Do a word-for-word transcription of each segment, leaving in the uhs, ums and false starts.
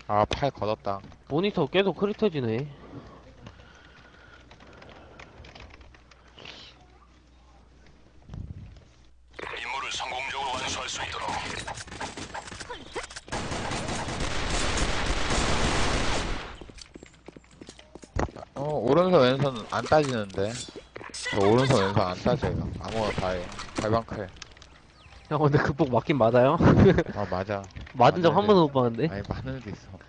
아, 팔 걷었다. 모니터 계속 흐릿해지네. 임무를 성공적으로 완수할 수 있도록. 어, 오른손 왼손 안 따지는데. 저 오른손 왼손 안 따져요. 아무거나 다 해. 발방클. 형, 근데 극복 맞긴 맞아요? 아, 맞아. 맞은 적 한 맞는데. 번도 못 봤는데? 아니, 맞는 애도 있어.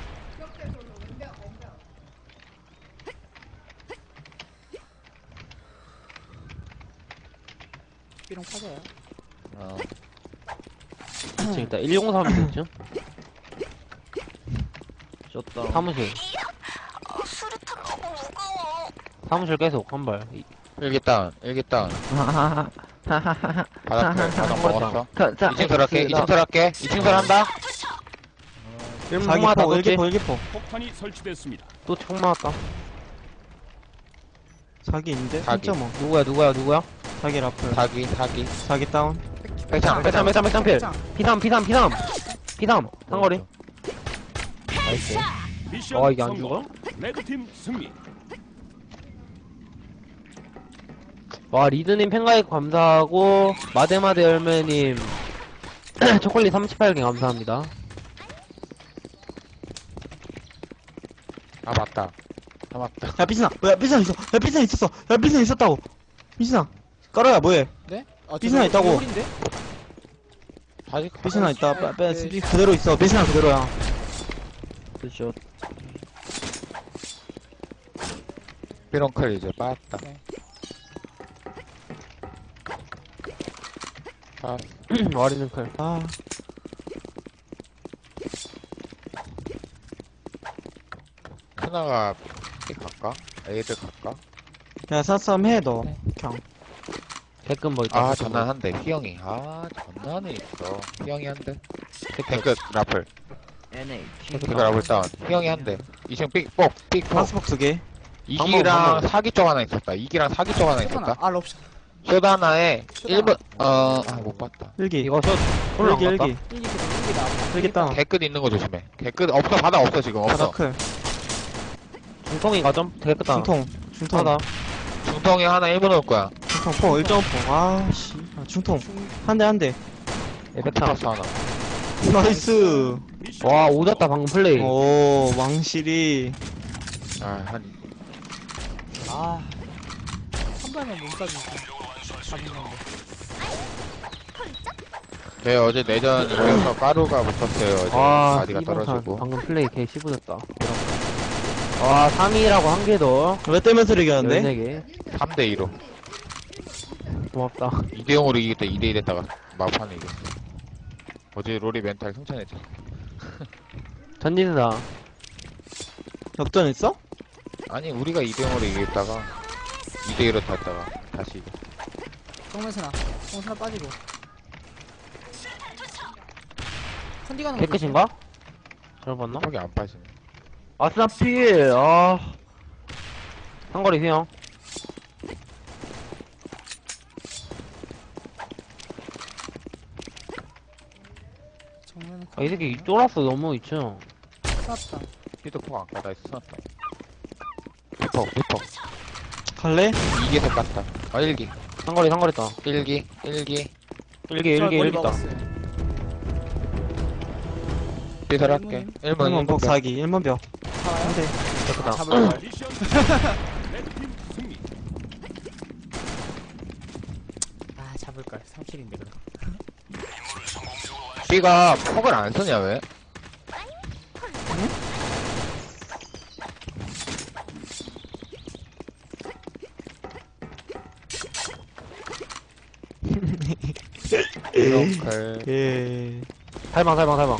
삐롱 파져요. 어. 지금 일단 일공삼이 됐죠? 졌다. 사무실. 아, 수류탄 너무 무거워. 사무실 계속, 한 발. 이- 일기 다운, 일기 다운. 하하하. 바닥클, 바닥 먹었어. 자, 자, 이 층 들어갈게, 이 층 들어갈게. 이 층 들어간다. 일문 총 맞았다, 사기포, 또 일기포, 일기포. 폭탄이 설치됐습니다. 또 총 맞았다. 사기 있는데? 사기. 삼 점 오. 누구야, 누구야, 누구야? 사기 라플. 사기, 사기. 사기 다운. 백창, 백삼, 백삼, 백삼 필. 피삼, 피삼, 피삼. 피삼, 상거리. 나이스. 미션 아, 이게 안 성공. 죽어? 레드팀 승리. 와, 리드님 팬가입 감사하고, 마데마데 열매님, 초콜릿 삼십팔 개 감사합니다. 아, 맞다. 아, 맞다. 야, 삐스나. 야, 삐스나 있어. 야, 삐스나 있었어. 야, 삐스나 있었다고. 삐스나. 깔아야, 뭐해? 네? 아, 삐스나 저거 있다고. 홀인데? 다시 삐스나 있다. 네, 빼, 빼, 네. 스피 그대로 있어. 삐스나 그대로야. 그쵸. 삐롱클 이제 빠졌다. 네. 아, 와리는 클. 아, 크나가 삐 갈까? 애들 갈까? 야, 사싸움 해, 너. 네. 그냥. 개끔 뭐 있다. 아, 개끔 뭐. 전난한대. 희영이. 아, 전난이 있어. 희영이 한 대. 탱크 라플. 엔에이치. 탱크 라플 다운. 희영이 한 대. 이 층 삑, 뻑, 삑, 뻑. 파스복스 개. 방법, 이기랑 방법. 사기 쪽 하나 있었다. 이기랑 사기 쪽 하나 쇼다나. 있었다. 아, 럽션. 쇼다 하나에 쇼다 일 번, 어, 아, 못 봤다. 일기. 이거 저, 홀로 안 일기, 갔다? 일기. 일기 일기 나. 일기 다운. 개끝 있는 거 조심해. 개끝 없어. 바닥 없어, 지금. 없어. 바다클. 중통인가 좀? 되겠다. 중통. 중통. 하다. 중통에 하나 일 번 올 거야. 중통 포. 일 점 포. 아, 씨. 아, 중통. 한 대, 한 대. 에펙타. 컴퓨터스 하나. 나이스. 미션 와, 성공. 오졌다, 방금 플레이. 오, 왕실이. 아, 한, 아. 한 발만 못 쏴주니까. 잡은 건데. 제 어제 내전 이겨서 까루가 붙었어요. 어제 아, 바디가 이봉탄. 떨어지고. 방금 플레이 개 씹어졌다. 와, 삼 위라고 한 개 더. 왜 떼면서 이겼는데? 열네 개. 삼 대 이로. 고맙다. 이 대 영으로 이기겠다. 이 대 일 했다가 막판에 이겼어. 어제 롤이 멘탈 승천했잖아. 전진이다. 역전했어? 아니, 우리가 이 대 영으로 이겼다가 이 대 일로 탔다가 다시 이겼어. 정면스나. 정면스나 빠지고. 컨디 가는 거. 개끝인가? 잘 봤나? 턱이 안 빠지네. 아스나 필! 아. 상거리 수영. 정면은 아, 이 새끼 쫄았어, 너무 있죠. 쐈다. 피도 폭 안 까다 있어. 피폭, 피폭. 갈래? 이기에서 깠다. 아, 일 기. 상거리, 상거리 있다. 일 기, 일 기. 일기, 일기, 머리 일기 있다. 먹었어요. 삐설 할게. 일 번, 일번 복 사기. 일번 벽. 살아요? 한 대. 깨끗다. 잡을 걸. 미션 레드팀 승리. 아, 잡을 걸. 삼 킬인데 그럼. 삐가 폭을 안 쓰냐, 왜? 이렇게. 예. 살방, 살방, 살방.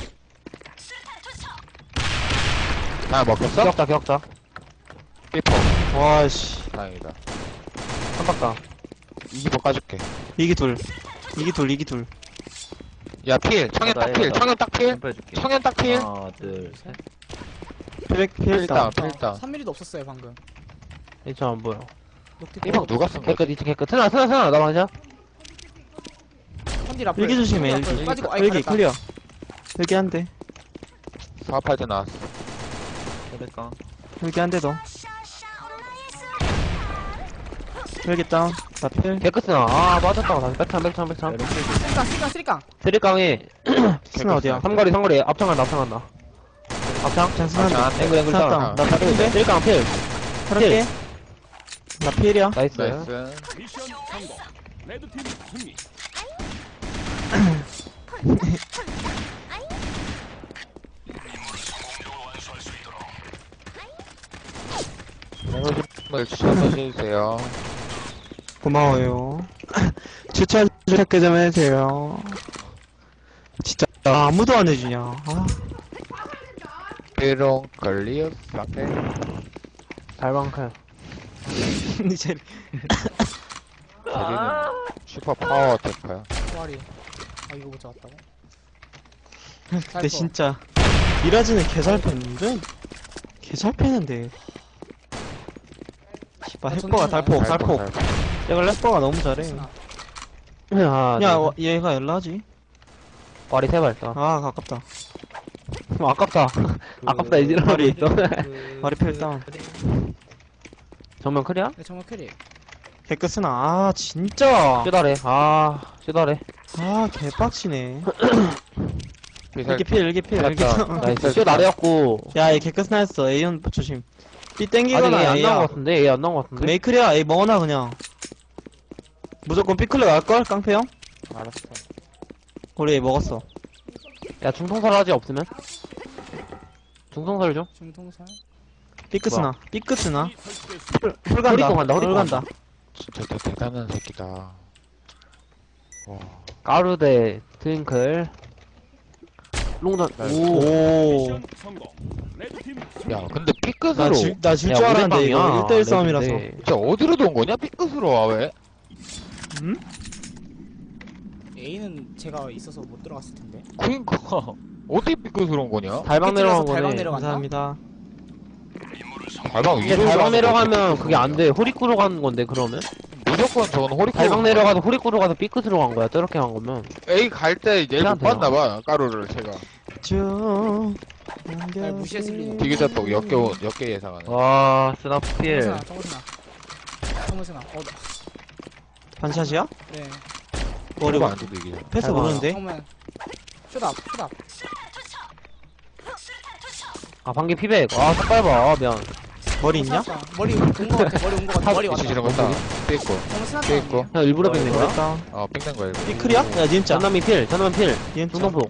아, 먹혔어? 기억자, 기억자. 삐폭. 와, 씨. 다행이다. 한 박다. 이기폭 까줄게. 이기 둘. 이기 둘, 이기 둘. 야, 필. 청년 딱 필. 청년 딱 필. 해줄게. 청년 딱 필. 하나, 둘, 셋. 필, 필, 필 다운. 다운, 필 다운. 삼 밀리도 없었어요, 방금. 이점 안 보여. 녹티 삐폭 누가 쓴 거야? 개끝, 이층 개끝. 트나, 트나, 트나. 나 맞아? 컨디 라플. 일기 조심해, 컨디 라플. 일기. 빠지고, 아이, 일기 가렸다. 클리어. 일기 한 대. 파파이트 나왔어. 그러니까. 여기 한 대 더. 여기 다운. 나 필. 개크스나. 아, 맞았다. 다시 백창, 백창, 백창. 쓰리깡 쓰리깡 쓰리깡. 쓰리깡에 스나 어디야? 삼거리, 삼거리. 앞창한다, 앞창한다. 앞창? 장 스나. 아, 앵글, 앵글 스나 다운. 다운. 나 다른데? 쓰리깡 필. 그렇게. 나 필이야. 나이스. 나이스. 미션 성공. 레드팀 승리. 을 추천해주세요. 고마워요. 추천 추천 좀 해주세요. 진짜 아무도 안 해주냐. 아. 삐롱 걸리어 쌍게. 달방칼. 이제 저기는 슈퍼 파워 테크야. 소아리. 아 이거 못 잡았다고? 근데 진짜 미라지는 개잘 패는데 개잘 패는데. 씨발 아, 햇버가 전투는 달폭 달폭. 내가 래퍼가 너무 잘해. 쓰나. 아, 야 네. 와, 얘가 열라지? 와리 세발 다 아 가깝다. 아깝다. 아깝다, 이지랄 말이 있어. 머리 필 다운. 정면 크리야? 네 정말 캐리. 개끄스나. 아 진짜. 쇼다래. 아, 쇼다래. 아 개빡치네. 비살 일기 필 일기 필 일기 맞다. 필. 나이스. 쇼다래였고. 야얘 개끄스나였어. A온 조심. B 아직 땡기거나 얘 안 나온 것 A야. 같은데? 얘 안 나온 것 같은데? 메이클이야. A 먹어놔 그냥. 무조건 B클릭 할걸? 깡패 형? 알았어. 우리 A 먹었어. 야, 중통살 하지, 없으면? 중통살 줘? 중통살. B끄스나. B끄스나. 이 설치됐습니다. 풀, 풀 간다. 허리통 간다, 허리통 풀 간다. 진짜 대, 대단한 새끼다. 와. 까르데, 트윙클. 롱전, 오. 오. 미션 성공. 레드팀 승리. 야, 근데 삐끗으로. 나질나 질 야, 줄 알았는데 이거 우대빵이야. 일 대일 싸움이라서. 레전드. 진짜 어디로 돈 거냐? 삐끗으로 와, 왜? 응? A는 제가 있어서 못 들어갔을 텐데. 그니까. 어디 삐끗으로 온 거냐? 달방 내려간 달방 거네. 내려갔나? 감사합니다. 달방 이게 위로 달방 가는 내려가면 거지, 그게 안 돼. 호리꾸로 가는 건데, 그러면? 무조건 저건 호리코. 달방 내려가도 호리꾸로 가서 삐끗으로 간 거야, 저렇게 간 거면. A 갈 때 얘를 못 희한하네요. 봤나봐, 까루를 제가. 쭉. 날 무시했을 리는. 디귿자폭 역계, 역계 예상하네. 와, 스나필. 정문스나 정문스나. 정문스나. 어 나. 반샷이야? 네. 머리 안 와. 돼도 이기잖아. 패스 잘 모르는데? 정문. 쇼답 쇼답. 아, 방귀 피백. 아, 색깔 봐. 미안. 머리 있냐? 스나다. 머리 온 거 같아. 머리 온 거 같아. 머리 왔다. 이치 지른 거 따. 삐있고. 정문 스나. 삐 있고. 형 일부러 뺏는 머리 거야? 다운. 어, 삥낸 거야, 이거. B클이야? 야 니은자. 전남이 필, 전남이 필. 니은자. 중동폭.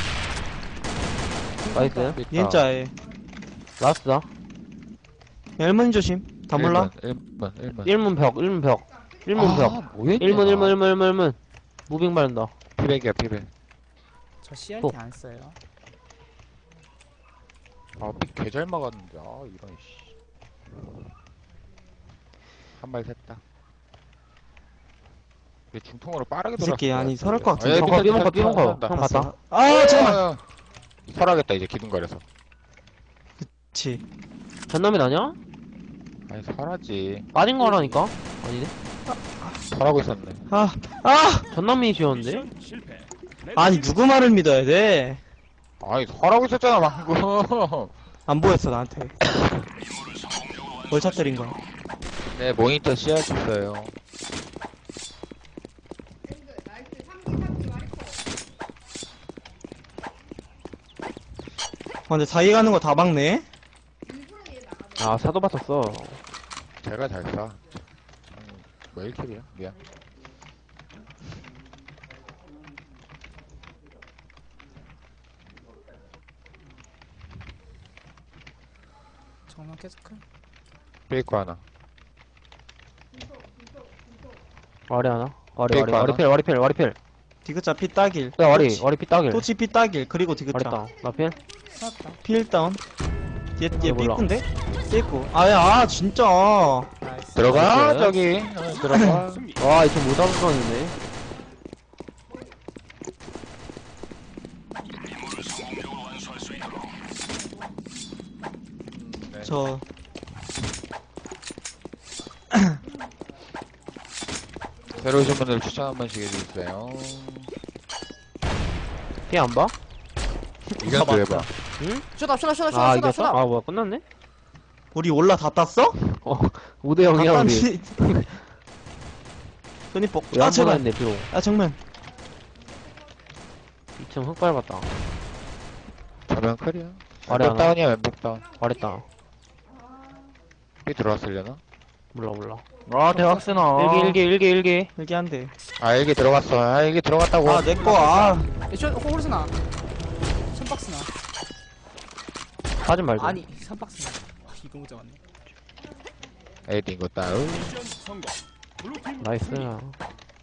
나이스. 삐 있다. 니은자에. 라스트다. 야, 일문 조심. 다 몰라? 일 번, 일 번. 일문 벽, 일문 벽. 일문 벽. 아, 뭐야? 일문, 일문, 일문, 일문, 일문. 무빙 바른다. 피백이야, 피백. 저 씨알티 또. 안 써요. 아, 삐 개 잘 막았는데. 아, 이런, 씨. 한 발 샜다. 왜 중통으로 빠르게 이 돌았어? 새끼 아니 설할 것 아, 같은데. 예, 삐벙커, 삐끗, 삐벙커, 삐끗, 삐벙커. 삐끗, 형 봤어. 봤다. 아 잠깐만. 아, 설하겠다, 이제 기둥거려서. 그치. 전남이 나냐? 아니, 설하지. 빠진 거라니까? 아니네. 설하고 있었네. 아, 아! 전남이 지었는데? 미션 실패. 아니 누구 말을 믿어야 돼? 아니, 설하고 있었잖아, 방금. 안 보였어 나한테. 월차 때린 거야. 네, 모니터 씌워줬어요. 아, 근데 사이 가는 거 다 막네. 아, 사도 봤었어. 제가 잘 쏴. 음, 뭐 일 킬이야? 미안. 정면 캐스크. 페이크 하나. 와리 하나? 와리, 페이크 와리, 와리 하나? 필, 와리 필, 와리 필. 디귿자 피 따길. 야, 와리, 토치- 와리 피 따길. 토치 피 따길. 그리고 와리 디귿자. 따. 나 필? 스나다. 필 다운. 얘, 얘 아, 몰라. 삐꾼데? 삐꾸. 아야, 아, 진짜. 나이스. 들어가, 나이스. 저기. 어, 들어가. 승리. 와, 이거 못 잡았었는데. 네. 저, 새로 오신 분들 추천 한 번씩 해주세요. 피 안 봐? 이견도 맞다. 해봐. 응? 쇼다 쇼다 쇼다 쇼다 아, 쇼다 이겼어? 쇼다. 아, 뭐야, 끝났네? 우리 올라 다 땄어? 어, 오 대 영이야, 우리. 손이 뻑. 왜 아 한 번 제발. 했네, 비록. 아 정면. 이 층 흙 밟았다. 저면 클이야. 아래 왼쪽 하나. 다운이야, 왼쪽 다운. 말했다. 삐 들어왔으려나? 몰라, 몰라. 아 대학생아. 일기, 일기, 일기, 일기. 여기 한 대. 아, 여기 들어갔어. 아, 여기 들어갔다고. 아 내꺼. 아. 쇼 호르스나. 선박스나. 빠진 말고. 아니 선박스나. 아, 이거 못 잡았네. 에이딩 거 다운. 미션 성공. 블루팀 나이스. 승리. 맞아요.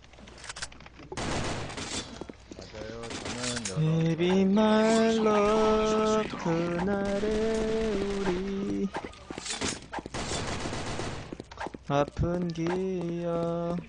저는 Baby my love 그날의 우리 아픈 기억.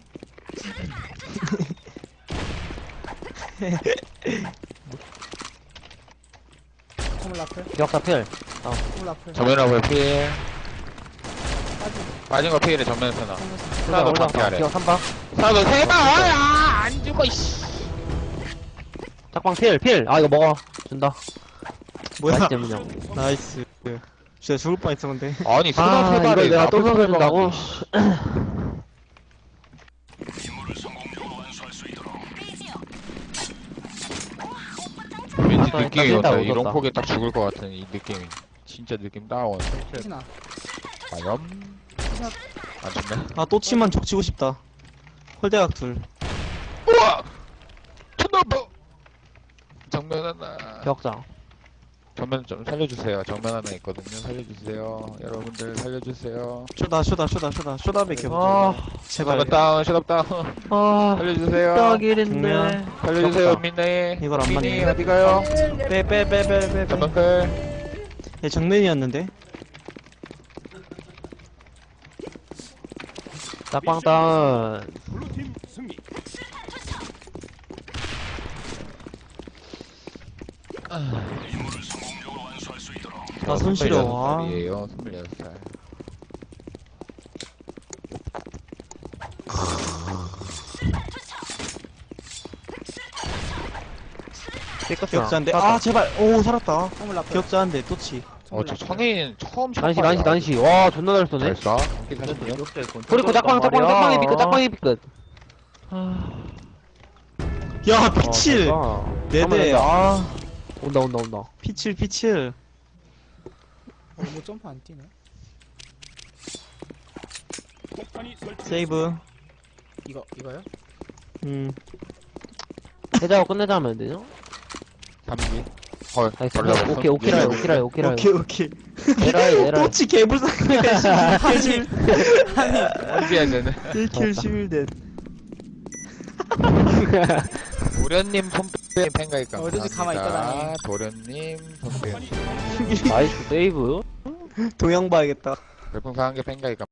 콩물 라플. 기억사 필. 콩물 라플. 정면하고 피해. 빠지. 빠진 거 피해를 정면에서 나. 정면에서. 하나도 올라가. 반피 아래. 기억 삼 방. 사도 세 방! 아, 안 죽어, 이씨. 짝방 필, 필. 아, 이거 먹어. 준다. 뭐야? 맛있지, 그냥. 미션 성공. 나이스. 진짜 죽을 뻔했어 근데. 아니, 수다 아, 세 이거 발에 내가 또 나쁜 세 먹여준다고? 방을. 왠지 아까 느낌이 일단 온다. 뛴다, 이런 웃었다. 폭에 딱 죽을 것 같은 이 느낌이. 진짜 느낌 다운. 희진아. 아염. 안 죽네. 아 또치만 족치고 싶다. 홀대각 둘. 우와! 천나보! 정면 하나. 기억자. 정면 좀 살려주세요. 정면 하나 있거든요. 살려주세요. 여러분들 살려주세요. 쇼다 쇼다 쇼다 쇼다 쇼다밖에 아, 없어. 제발. 정면 다운, ショダ다운. 아, 살려주세요. 딱일인데. 살려주세요, 귀엽다. 민네. 이걸 안 민니 맞네. 어디 가요? 빼 빼 빼 빼 빼. 정면 클. 얘 정면이었는데. 짝방 다운. 블루팀 승리. 아, 손 시려. 아. 이에요. 스물여섯 살. 기억자 한 대. 아 제발. 오 살았다. 콩물 라플. 기억자 한 대. 또치. 어, 저 청인 처음 난시, 난시, 난시. 와, 존나 잘 쏘네. 잘 쏴. 사십육. 그리고 짝방, 짝방, 짝방이 비끗, 짝방이 비끗. 야 피칠. 네 대. 아 온다, 온다, 온다. 피칠 피칠. 어, 뭐 점프 안 뛰네. 폭탄이 설치. 세이브. 이거 이거요? 음. 해자고 끝내자면 안 되죠? 삼기. 헐. 나이스. 걸려버렸어. 오케이, 오케이라요, 오케이라요, 오케이라요. 오케이 오케이. 에라이, 에라이. 또치 개불쌍해. 킬 원비야, 쟤는. 킬 십일 대. 도련님 손빼 팬가입 감사합니다. 어디지 가만히 있다가니. 도련님 손빼. 폭탄이 나이스, 세이브. 동영 봐야겠다. 별풍선 한개 팬가입